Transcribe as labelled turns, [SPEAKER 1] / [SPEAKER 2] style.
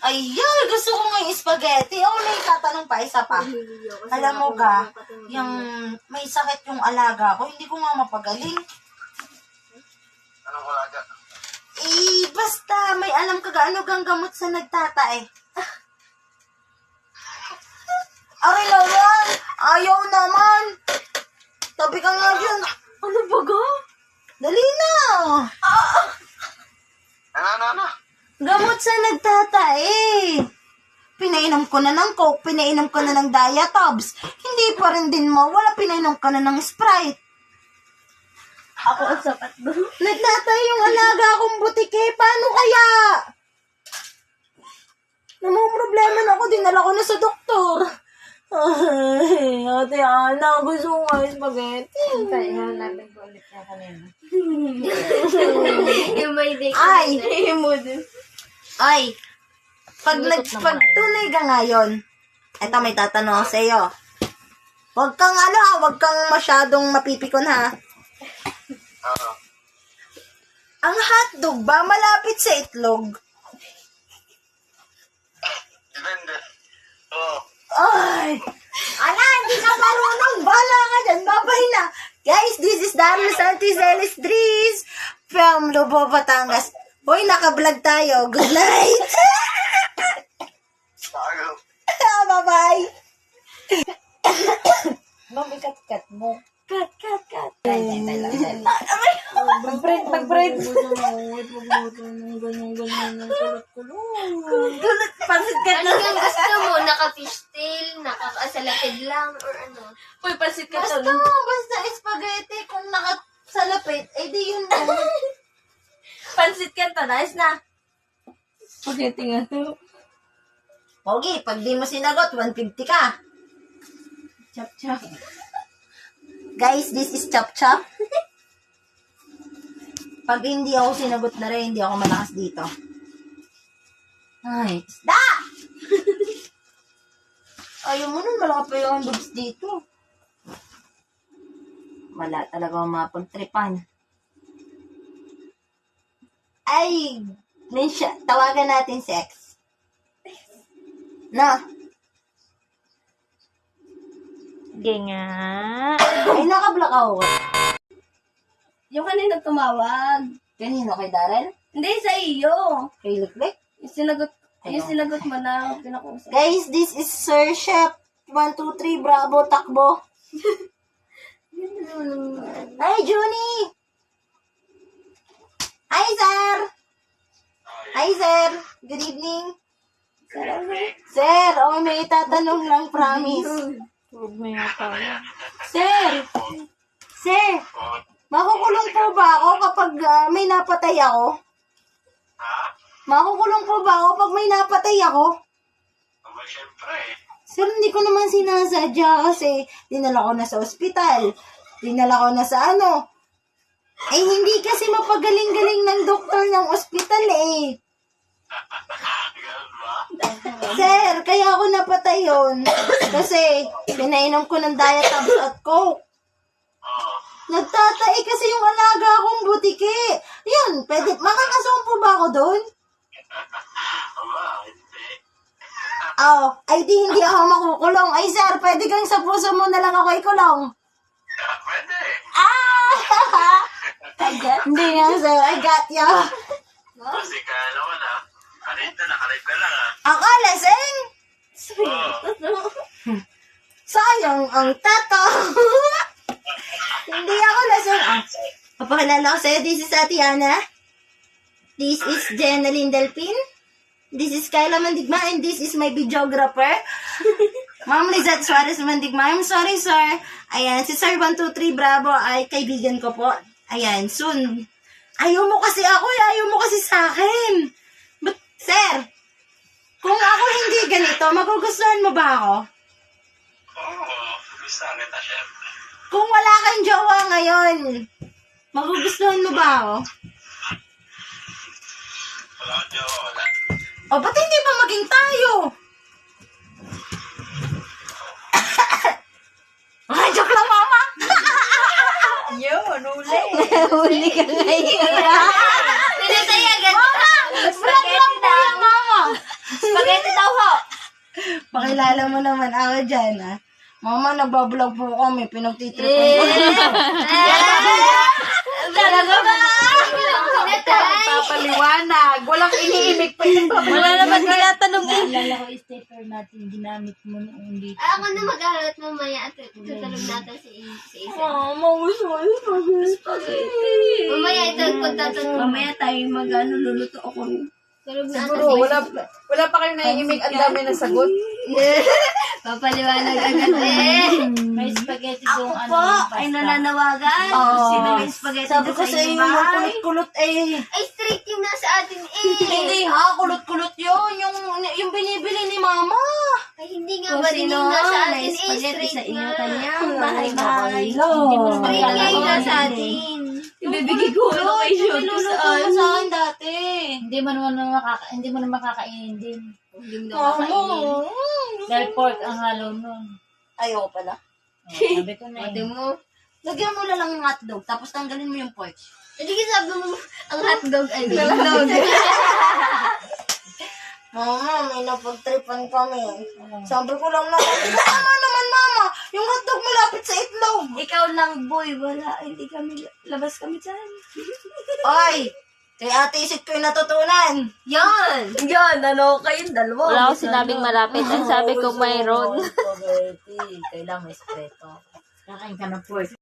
[SPEAKER 1] Ay, gusto ko nga yung spaghetti. Oh, may tatanong pa, isa pa. Alam mo ga, yung may sakit yung alaga ko, hindi ko nga mapagaling.
[SPEAKER 2] Anong alaga?
[SPEAKER 1] Basta, may alam ka gaano gang gamot sa nagtatae. Aray naman! Ayaw naman! Tabi ka nga dyan. Ano ba ga? Dali na!
[SPEAKER 2] Ano?
[SPEAKER 1] Gamot sa nagtatae. Pinainom ko na ng Coke, pinainom ko na ng Diatabs. Hindi pa rin din mawala, pinainom ka na ng Sprite.
[SPEAKER 3] Ako ang sapat doon.
[SPEAKER 1] Nagtatae yung alaga akong butike. Paano kaya? Namumroblema na ako, dinala ko na sa doktor. Ay, Ate Ana, gusto ko nga yung spaghetti.
[SPEAKER 3] Hanapin ko ulit na kanina. Yung may day.
[SPEAKER 1] Ay, pag tunay ka ngayon, eto may tatanong ako sa iyo. Huwag kang masyadong mapipikon ha.
[SPEAKER 2] Oo.
[SPEAKER 1] Ang hotdog ba malapit sa itlog?
[SPEAKER 2] Depende. Oo.
[SPEAKER 1] Ay! Ala, hindi ka marunong. Bala ka dyan. Babay na. Guys, this is Darius Santizelis Dries from Lobo, Batangas. Hoy, naka-vlog tayo. Good night.
[SPEAKER 2] Bago.
[SPEAKER 1] Bye-bye.
[SPEAKER 3] Mami, kat mo.
[SPEAKER 1] Cut.
[SPEAKER 3] Mag-break.
[SPEAKER 1] Tulad, pansit ka
[SPEAKER 4] Ano yung gusto mo? Naka-fishtail? Naka-salapid lang? Or ano?
[SPEAKER 3] Uy, pasit ka
[SPEAKER 1] Basta,
[SPEAKER 3] to.
[SPEAKER 1] basta spaghetti. Kung nakasalapit, eh di yun mo.
[SPEAKER 3] Pansit ka to. Nice na. Spaghetti nga to.
[SPEAKER 1] Pogi, pag di mo sinagot, 150 ka.
[SPEAKER 3] Chop.
[SPEAKER 1] Guys, this is Chop Chop. Pag hindi ako sinagot na rin, hindi ako malakas dito. Ay, isda! Ayaw mo nun, malaki pa yung boobs dito. Wala talaga akong mapagtripan. Ay, tawagan natin si X. Na?
[SPEAKER 3] Sige nga.
[SPEAKER 1] Ay, naka-block ako.
[SPEAKER 3] Yung kanina tumawag.
[SPEAKER 1] Kanino, kay Darren?
[SPEAKER 3] Hindi, sa iyo.
[SPEAKER 1] Kay Liklik?
[SPEAKER 3] Yung sinagot mo na pinakusap.
[SPEAKER 1] Guys, this is Sir Chef. 1, 2, 3, bravo, takbo. Hi, Junie! Hi, sir! Hi, sir! Good evening. Sir, may itatanong lang, promise.
[SPEAKER 3] Huwag mo yata.
[SPEAKER 1] Sir! Makukulong po ba ako kapag may napatay ako?
[SPEAKER 2] Ha?
[SPEAKER 1] Makukulong po ba ako pag may napatay ako?
[SPEAKER 2] Aba, syempre.
[SPEAKER 1] Sir, hindi ko naman sinasadya kasi dinala ko na sa ospital. Dinala ko na sa ano. Eh, hindi kasi mapagaling-galing ng doktor ng ospital eh.
[SPEAKER 2] Ganun ba?
[SPEAKER 1] Sir, kaya ako napatay yun. Kasi pinainom ko ng Diatabs at Coke.
[SPEAKER 2] Oo.
[SPEAKER 1] Nagtatay kasi yung alaga akong butike. Yun, makakasong po ba ako doon?
[SPEAKER 2] Aba, hindi.
[SPEAKER 1] Ay di hindi ako makukulong. Ay sir, pwede kang sa puso mo na lang ako ikulong.
[SPEAKER 2] Pwede.
[SPEAKER 1] Hindi nga sir, I got ya.
[SPEAKER 2] Kasi kaya naman ha. Nakalip ka lang ha.
[SPEAKER 1] Ako lasing.
[SPEAKER 2] Oo.
[SPEAKER 1] Sayang ang tato. Hindi ako lasing. Papakilala ko sa'yo, this is Atiana. This is Jenaline Delpin. This is Kyla Mandigma and this is my videographer. Ma'am Lizette Suarez Mandigma. I'm sorry, sir. Ayan, si Sir 123 Bravo ay kaibigan ko po. Ayan, soon. Ayaw mo kasi ako, ayaw mo kasi sa akin. But, sir, kung ako hindi ganito, magugustuhan mo ba ako?
[SPEAKER 2] Oo. Gusto kita, syempre.
[SPEAKER 1] Kung wala kang jowa ngayon, magugustuhan mo ba ako?
[SPEAKER 2] Wala ka jowa, wala.
[SPEAKER 1] O, ba't hindi ba maging tayo? Ay, joke lang, mama.
[SPEAKER 3] Yun, uli.
[SPEAKER 1] Huli ka ngayon.
[SPEAKER 4] Pinatayagan
[SPEAKER 1] Mama, vlog lang po yan, mama. kilala mo naman ako dyan, ha? Mama, nagbablog po kami. Pinagtitripan ko.
[SPEAKER 3] Talaga ba?
[SPEAKER 5] Papaliwanag. Walang iniimik pa yung
[SPEAKER 3] Wala naman tinatanong eh.
[SPEAKER 5] Naalala ko yung stepper natin, ginamit mo noong dito.
[SPEAKER 4] Ako na mag-aaral mamaya at tutulog natin si Isa.
[SPEAKER 3] Mauso yung spaghetti.
[SPEAKER 4] Mamaya ito, pagtatulog.
[SPEAKER 3] Mamaya tayo luluto ako.
[SPEAKER 4] Tulog natin
[SPEAKER 5] Siguro, wala pa kayong naiimik. Ang dami na sagot.
[SPEAKER 4] Papaliwanag agad eh.
[SPEAKER 5] May spaghetti
[SPEAKER 3] Ako
[SPEAKER 5] doon,
[SPEAKER 3] po ay nananawagan. Sino may spaghetti
[SPEAKER 1] Sabi
[SPEAKER 3] doon
[SPEAKER 1] ko
[SPEAKER 3] sa
[SPEAKER 1] sa
[SPEAKER 3] inyo
[SPEAKER 1] inyo, yung
[SPEAKER 3] bahay?
[SPEAKER 1] kulot-kulot eh.
[SPEAKER 4] Ay, straight yung nasa atin eh.
[SPEAKER 1] Hindi ha, kulot-kulot yun. Yung binibili ni mama.
[SPEAKER 4] Ay, hindi nga
[SPEAKER 3] Kung
[SPEAKER 4] ba din
[SPEAKER 3] sino
[SPEAKER 4] yung nasa
[SPEAKER 3] may
[SPEAKER 4] atin eh.
[SPEAKER 3] spaghetti sa
[SPEAKER 4] Straight
[SPEAKER 3] inyo
[SPEAKER 4] nga.
[SPEAKER 3] kanyang bahay-bahay.
[SPEAKER 5] Hindi mo naman
[SPEAKER 4] Straight nga yung nasa
[SPEAKER 5] kailangan.
[SPEAKER 4] atin.
[SPEAKER 3] Bibigay ko ano kay
[SPEAKER 1] Yung
[SPEAKER 3] Shoot
[SPEAKER 1] niluluto mo sa akin dati.
[SPEAKER 5] Hindi mo naman makakainin din.
[SPEAKER 4] Hindi mo nakakainin.
[SPEAKER 5] Dahil pork ang halo nun.
[SPEAKER 1] Ayoko pala.
[SPEAKER 5] Sabi ko na
[SPEAKER 4] Ate
[SPEAKER 5] eh.
[SPEAKER 4] mo.
[SPEAKER 1] Lagyan mo na lang ng hotdog, tapos tanggalin mo yung pork.
[SPEAKER 4] Hindi ka sabi mo, ang hotdog ay hotdog.
[SPEAKER 1] Mama, may napagtripan kami. Sabi ko lang naman, tama naman mama, yung hotdog malapit sa itlog.
[SPEAKER 3] Ikaw lang, boy. Wala. Hindi kami. Labas kami dyan.
[SPEAKER 1] Oy, kay Ate Isit ko yung natutunan.
[SPEAKER 4] Yan!
[SPEAKER 3] Yan, ano kayong dalawa?
[SPEAKER 6] Wala akong sinabing malapit. Ang sabi ko mayroon.
[SPEAKER 1] Spaghetti, kailangan may sekreto.
[SPEAKER 5] Kakain ka ng pork.